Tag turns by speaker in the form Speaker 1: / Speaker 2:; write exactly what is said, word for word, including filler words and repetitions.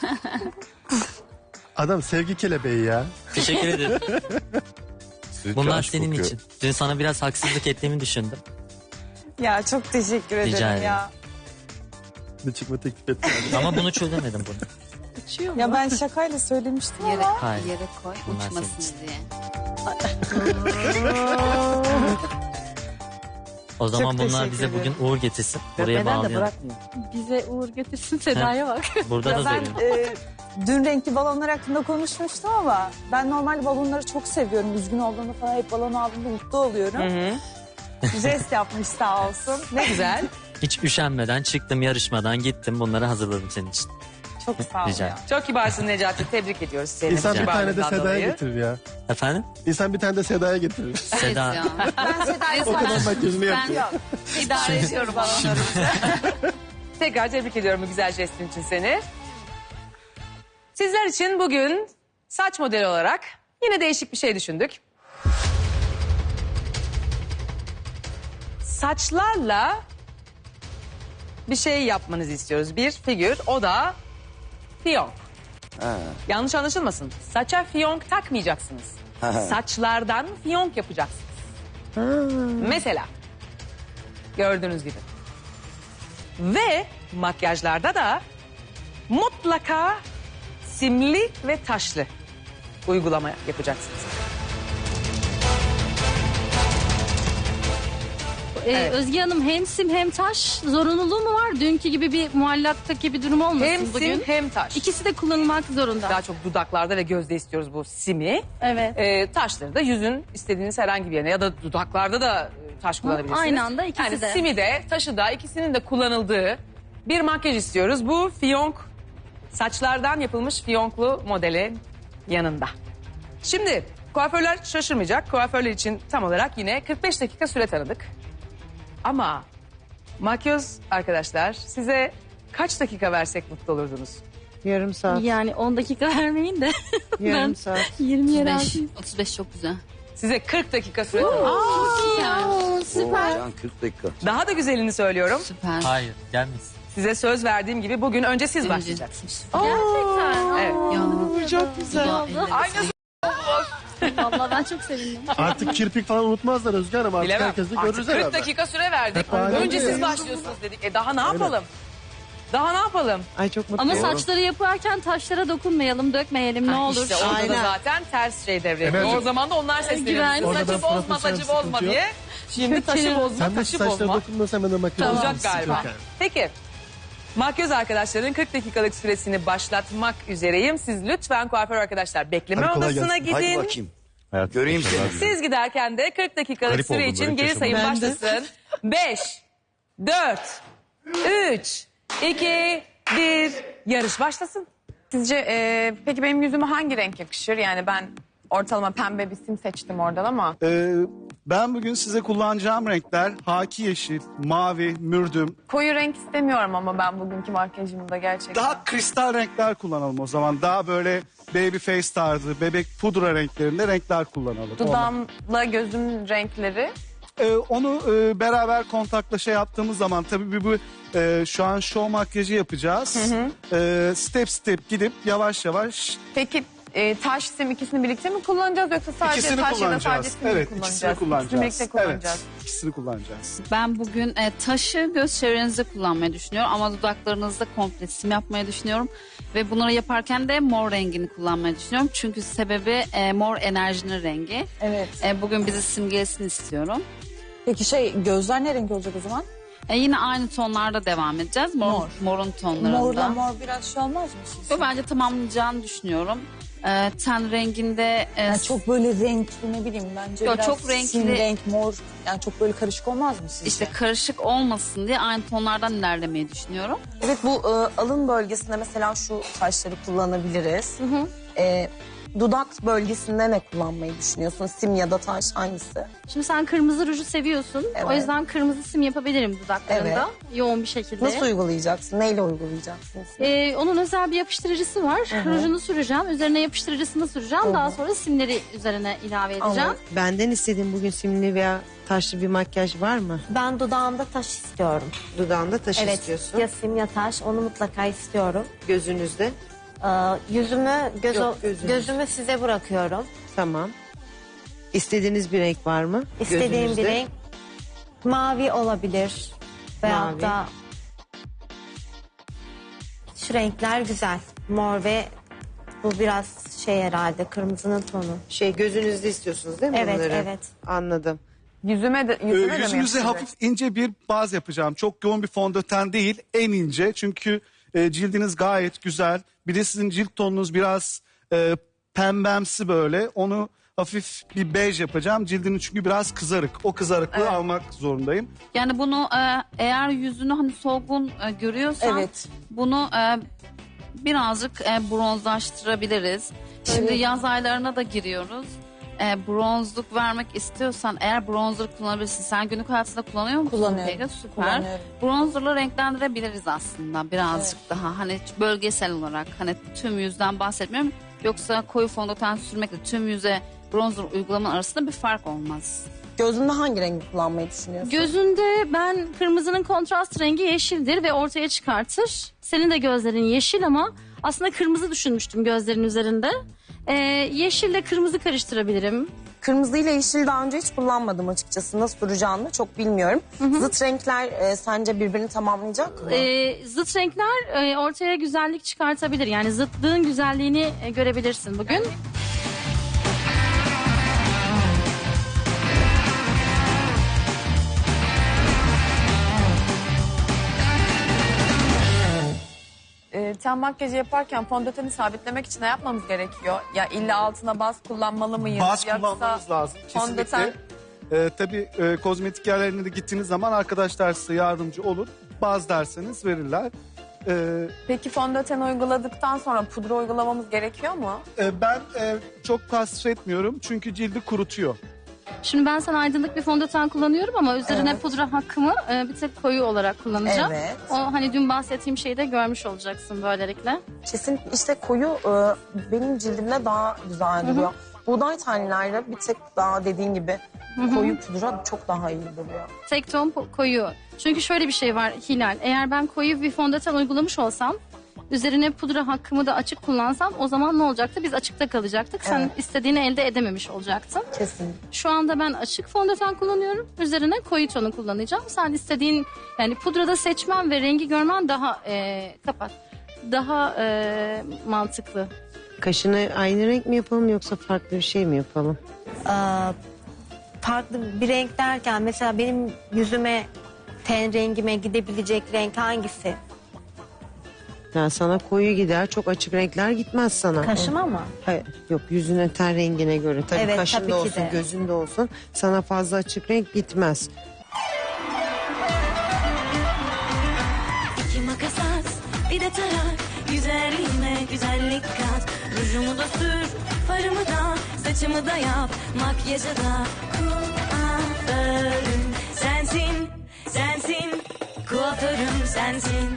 Speaker 1: Adam sevgi kelebeği ya.
Speaker 2: Teşekkür ederim. Bunlar
Speaker 3: aşk
Speaker 2: senin
Speaker 3: kokuyor.
Speaker 2: için. Dün sana biraz haksızlık ettiğimi düşündüm.
Speaker 4: Ya çok teşekkür
Speaker 2: Rica
Speaker 4: ederim
Speaker 2: ederim.
Speaker 4: ya.
Speaker 1: Bir çıkma teklif etti.
Speaker 2: Ama bunu çözemedim bunu.
Speaker 4: Ya ben şakayla söylemiştim
Speaker 5: Yere,
Speaker 4: ama.
Speaker 2: Hayır.
Speaker 5: yere koy
Speaker 2: Bunlar
Speaker 5: uçmasın
Speaker 2: senin
Speaker 5: diye.
Speaker 2: O zaman
Speaker 4: Çok
Speaker 2: bunlar
Speaker 4: teşekkür
Speaker 2: bize
Speaker 4: ederim.
Speaker 2: bugün uğur getirsin. Buraya bağlayalım.
Speaker 6: Bize uğur getirsin, Seda'ya bak.
Speaker 2: Burada
Speaker 4: Ya
Speaker 2: da
Speaker 4: ben
Speaker 2: söyleyeyim.
Speaker 4: e, dün renkli balonlar hakkında konuşmuştum ama ben normalde balonları çok seviyorum. Üzgün olduğumda falan hep balon aldığımda mutlu oluyorum. Jest yapmış sağ olsun. Ne güzel.
Speaker 2: Hiç üşenmeden çıktım yarışmadan gittim. Bunları hazırladım senin için.
Speaker 4: Çok sağ ol
Speaker 2: Rica
Speaker 4: ya.
Speaker 2: ederim.
Speaker 7: Çok kibarsın Necati. Tebrik ediyoruz seni.
Speaker 1: İnsan bir tane de
Speaker 7: Kibarlığından
Speaker 1: Seda'ya
Speaker 7: dolayı.
Speaker 1: getirir ya.
Speaker 2: Efendim?
Speaker 1: İnsan bir tane de Seda'ya getirir.
Speaker 2: Seda.
Speaker 5: Ya.
Speaker 4: Ben Seda'yı
Speaker 1: O kadar makyajını yapıyor.
Speaker 4: idare ediyorum balonlarımızı.
Speaker 7: Tekrar tebrik ediyorum bu güzel jestin için seni. Sizler için bugün saç modeli olarak yine değişik bir şey düşündük. Saçlarla bir şey yapmanızı istiyoruz. Bir figür, o da fiyonk. Yanlış anlaşılmasın. Saça fiyonk takmayacaksınız. Saçlardan fiyonk yapacaksınız. Mesela gördüğünüz gibi. Ve makyajlarda da mutlaka simli ve taşlı uygulama yapacaksınız.
Speaker 6: Ee,
Speaker 7: Evet.
Speaker 6: Özge Hanım hem sim hem taş zorunluluğu mu var? Dünkü gibi bir muallaktaki bir durum olmasın
Speaker 7: Hem
Speaker 6: bugün.
Speaker 7: sim hem taş.
Speaker 6: İkisi de kullanılmak zorunda.
Speaker 7: Daha çok dudaklarda ve gözde istiyoruz bu simi.
Speaker 6: Evet.
Speaker 7: Ee, taşları da yüzün istediğiniz herhangi bir yerine ya da dudaklarda da e, taş kullanabilirsiniz.
Speaker 6: aynı anda ikisi
Speaker 7: yani
Speaker 6: de.
Speaker 7: simi de taşı da ikisinin de kullanıldığı bir makyaj istiyoruz. Bu fiyonk, saçlardan yapılmış fiyonklu modeli yanında. Şimdi kuaförler şaşırmayacak. Kuaförler için tam olarak yine kırk beş dakika süre tanıdık. Ama makyöz arkadaşlar size kaç dakika versek mutlu olurdunuz?
Speaker 8: Yarım saat.
Speaker 6: Yani on dakika vermeyin de
Speaker 8: Yarım
Speaker 6: ben
Speaker 8: saat.
Speaker 6: yirmiye
Speaker 5: otuz beş,
Speaker 6: razıyım.
Speaker 5: otuz beş çok güzel.
Speaker 7: Size kırk dakika süre tanıdık.
Speaker 5: Yani.
Speaker 6: Süper.
Speaker 3: Can kırk dakika.
Speaker 7: Daha da güzelini söylüyorum.
Speaker 5: Süper.
Speaker 2: Hayır gelmesin.
Speaker 7: Size söz verdiğim gibi bugün önce siz
Speaker 5: Önce-
Speaker 7: başlayacaksınız.
Speaker 6: Gerçekten.
Speaker 7: Evet.
Speaker 5: Ya, çok güzel.
Speaker 7: Aynısı.
Speaker 6: Vallahi ben çok sevindim.
Speaker 1: Artık kirpik falan unutmazlar Özge Hanım. Artık
Speaker 7: Bilemem.
Speaker 1: herkes de
Speaker 7: Artık
Speaker 1: görürüz
Speaker 7: kırk
Speaker 1: herhalde.
Speaker 7: dakika süre verdik.
Speaker 1: Hep aynı
Speaker 7: Önce
Speaker 1: oluyor
Speaker 7: siz
Speaker 1: ya.
Speaker 7: başlıyorsunuz dedik. E daha ne yapalım? Daha ne yapalım?
Speaker 8: Ay çok mutlu
Speaker 6: Ama
Speaker 8: oldum.
Speaker 6: saçları yaparken taşlara dokunmayalım, dökmeyelim ne
Speaker 7: Ha,
Speaker 6: olur.
Speaker 7: İşte orada da
Speaker 8: Aynen.
Speaker 7: zaten ters şey devreye
Speaker 1: Evet.
Speaker 7: giriyor. O zaman da onlar sesleniyor.
Speaker 6: Güven.
Speaker 1: Orada
Speaker 7: Saçı
Speaker 1: da
Speaker 7: bozma,
Speaker 1: profesyonel
Speaker 7: saçı bozma
Speaker 1: sıkıntı yok.
Speaker 7: diye. Şimdi taşı bozma,
Speaker 1: Sen de
Speaker 7: taşı
Speaker 1: saçlara
Speaker 7: bozma.
Speaker 1: dokunmuyorsan ben de makyaj
Speaker 7: Olacak
Speaker 1: yapacağım.
Speaker 7: galiba.
Speaker 1: Yok yani.
Speaker 7: Peki. Makyöz arkadaşların kırk dakikalık süresini başlatmak üzereyim. Siz lütfen kuaför arkadaşlar bekleme
Speaker 1: Hadi kolay
Speaker 7: odasına
Speaker 1: gelsin.
Speaker 3: Hadi
Speaker 7: gidin.
Speaker 3: bakayım. Göreyim seni.
Speaker 7: Siz giderken de kırk dakikalık
Speaker 1: Garip
Speaker 7: süre
Speaker 1: oldum,
Speaker 7: için
Speaker 1: böyle
Speaker 7: geri
Speaker 1: yaşamadım.
Speaker 7: sayım
Speaker 8: Ben de.
Speaker 7: başlasın. beş, dört, üç, iki, bir, yarış başlasın.
Speaker 9: Sizce e, peki benim yüzüme hangi renk yakışır? Yani ben ortalama pembe bir sim seçtim oradan ama.
Speaker 10: Ee, ben bugün size kullanacağım renkler haki yeşil, mavi, mürdüm.
Speaker 9: Koyu renk istemiyorum ama ben bugünkü makyajımda gerçekten.
Speaker 10: Daha kristal renkler kullanalım o zaman. Daha böyle baby face tarzı, bebek pudra renklerinde renkler kullanalım.
Speaker 9: Dudağımla gözümün renkleri.
Speaker 10: Ee, onu e, beraber kontakla şey yaptığımız zaman tabii bu e, şu an show makyajı yapacağız. Ee, step step gidip yavaş yavaş
Speaker 9: Peki e, taş sim ikisini birlikte mi kullanacağız yoksa sadece
Speaker 10: ikisini
Speaker 9: taş ya da sadece
Speaker 10: kullanacağız.
Speaker 9: sim mi
Speaker 10: Evet,
Speaker 9: kullanacağız?
Speaker 10: ikisini kullanacağız.
Speaker 9: İkisini birlikte kullanacağız.
Speaker 10: Evet, ikisini kullanacağız.
Speaker 5: Ben bugün e, taşı göz çevrenizde kullanmayı düşünüyorum ama dudaklarınızda komple sim yapmayı düşünüyorum. Ve bunları yaparken de mor rengini kullanmayı düşünüyorum. Çünkü sebebi e, mor enerjinin rengi.
Speaker 4: Evet.
Speaker 5: E, bugün bizi simgelesin istiyorum.
Speaker 4: Peki şey gözler ne renk olacak o zaman?
Speaker 5: E, yine aynı tonlarda devam edeceğiz. Mor,
Speaker 4: Mor.
Speaker 5: Morun tonlarında.
Speaker 4: Morla mor biraz şey olmaz mı siz?
Speaker 5: Yo, bence tamamlayacağını düşünüyorum. E, ten renginde... E,
Speaker 4: Yani çok böyle renkli ne bileyim bence
Speaker 5: Yo,
Speaker 4: biraz
Speaker 5: çok renkli.
Speaker 4: sim renk mor yani çok böyle karışık olmaz mı sizce?
Speaker 5: işte karışık olmasın diye aynı tonlardan ilerlemeyi düşünüyorum.
Speaker 11: Evet bu e, alın bölgesinde mesela şu taşları kullanabiliriz. E, dudak bölgesinde ne kullanmayı düşünüyorsun? Sim ya da taş hangisi?
Speaker 6: Şimdi sen kırmızı ruju seviyorsun.
Speaker 11: Evet.
Speaker 6: O yüzden kırmızı sim yapabilirim dudaklarında. Yoğun bir şekilde.
Speaker 11: Nasıl uygulayacaksın? Neyle uygulayacaksın?
Speaker 6: Ee, onun özel bir yapıştırıcısı var. Rujunu süreceğim. Üzerine yapıştırıcısını süreceğim. Daha sonra simleri üzerine ilave edeceğim.
Speaker 11: Anladım.
Speaker 8: Benden istediğin bugün simli veya taşlı bir makyaj var mı?
Speaker 12: Ben dudağımda taş istiyorum.
Speaker 8: Dudağında taş
Speaker 12: Evet.
Speaker 8: istiyorsun.
Speaker 12: Ya sim ya taş onu mutlaka istiyorum.
Speaker 8: Gözünüzde.
Speaker 12: Ee, yüzümü göz,
Speaker 8: Yok, gözünüz.
Speaker 12: gözümü size bırakıyorum.
Speaker 8: Tamam. İstediğiniz bir renk var mı?
Speaker 12: İstediğim
Speaker 8: Gözünüzde?
Speaker 12: bir renk mavi olabilir. Veyahut
Speaker 8: Mavi.
Speaker 12: da şu renkler güzel. Mor ve bu biraz şey herhalde kırmızının tonu.
Speaker 8: Şey gözünüzde istiyorsunuz değil mi
Speaker 12: Evet,
Speaker 8: bunları?
Speaker 12: evet.
Speaker 8: Anladım.
Speaker 9: Yüzüme de,
Speaker 10: Ee,
Speaker 9: yüzüme de mi
Speaker 10: yüzünüze
Speaker 9: yapıştıracak?
Speaker 10: hafif ince bir baz yapacağım. Çok yoğun bir fondöten değil, en ince. Çünkü e, cildiniz gayet güzel. Bir de sizin cilt tonunuz biraz e, pembemsi böyle. Onu hafif bir bej yapacağım. Cildiniz çünkü biraz kızarık. O kızarıklığı almak zorundayım.
Speaker 5: Yani bunu e, eğer yüzünü hani solgun e, görüyorsan
Speaker 4: Evet.
Speaker 5: bunu e, birazcık e, bronzlaştırabiliriz. Şimdi yaz aylarına da giriyoruz. E, bronzluk vermek istiyorsan eğer bronzer kullanabilirsin. Sen günlük hayatında kullanıyor musun?
Speaker 4: Kullanıyorum.
Speaker 5: Peki, süper.
Speaker 4: Kullanıyorum.
Speaker 5: Bronzerla renklendirebiliriz aslında birazcık daha. Hani bölgesel olarak hani tüm yüzden bahsetmiyorum. Yoksa koyu fondöten sürmekle tüm yüze bronzer uygulamanın arasında bir fark olmaz.
Speaker 11: Gözünde hangi rengi kullanmayı düşünüyorsun?
Speaker 6: Gözünde ben kırmızının kontrast rengi yeşildir ve ortaya çıkartır. Senin de gözlerin yeşil ama aslında kırmızı düşünmüştüm gözlerin üzerinde. Ee, yeşille kırmızı karıştırabilirim.
Speaker 11: Kırmızı ile yeşil daha önce hiç kullanmadım açıkçası. Nasıl duracağını çok bilmiyorum. Zıt renkler e, sence birbirini tamamlayacak mı?
Speaker 6: Ee, zıt renkler e, ortaya güzellik çıkartabilir. Yani zıtlığın güzelliğini e, görebilirsin bugün.
Speaker 9: Ee, ten makyajı yaparken fondöteni sabitlemek için ne yapmamız gerekiyor? Ya illa altına baz kullanmalı mıyız?
Speaker 10: Baz
Speaker 9: Yoksa
Speaker 10: kullanmanız lazım. Kesinlikle.
Speaker 9: fondöten-
Speaker 10: Ee, tabii e, kozmetik yerlerine de gittiğiniz zaman arkadaşlar size yardımcı olur. Baz derseniz verirler. Ee,
Speaker 9: Peki fondöten uyguladıktan sonra pudra uygulamamız gerekiyor mu?
Speaker 10: e, ben e, çok tasvir etmiyorum çünkü cildi kurutuyor.
Speaker 6: Şimdi ben sana aydınlık bir fondöten kullanıyorum ama üzerine pudra hakkımı e, bir tek koyu olarak kullanacağım.
Speaker 11: Evet.
Speaker 6: O hani dün bahsettiğim şeyi de görmüş olacaksın böylelikle.
Speaker 11: Kesin işte koyu e, benim cildimde daha güzel duruyor. Buğday tanelerle bir tek daha dediğin gibi koyu pudra çok daha iyi duruyor.
Speaker 6: Tek ton po- koyu. Çünkü şöyle bir şey var Hilal. Eğer ben koyu bir fondöten uygulamış olsam üzerine pudra hakkımı da açık kullansam o zaman ne olacaktı? Biz açıkta kalacaktık. Sen
Speaker 11: Evet.
Speaker 6: istediğini elde edememiş olacaktın.
Speaker 11: Kesin.
Speaker 6: Şu anda ben açık fondöten kullanıyorum. Üzerine koyu tonu kullanacağım. Sen istediğin yani pudrada seçmen ve rengi görmen daha e, kapat. Daha e, mantıklı.
Speaker 8: Kaşını aynı renk mi yapalım yoksa farklı bir şey mi yapalım?
Speaker 12: Ee, farklı bir renk derken mesela benim yüzüme ten rengime gidebilecek renk hangisi?
Speaker 8: Yani sana koyu gider, çok açık renkler gitmez sana.
Speaker 12: Kaşıma mı?
Speaker 8: Hayır, yok yüzüne ten rengine göre. Tabii
Speaker 12: Evet,
Speaker 8: kaşında
Speaker 12: tabii ki
Speaker 8: olsun,
Speaker 12: de.
Speaker 8: gözünde olsun. Sana fazla açık renk gitmez.
Speaker 13: İki makas at, bir de tarak. Güzelliğime güzellik kat. Rujumu da sür, farımı da, saçımı da yap. Makyajı da kuaförüm sensin, sensin. Kuaförüm sensin.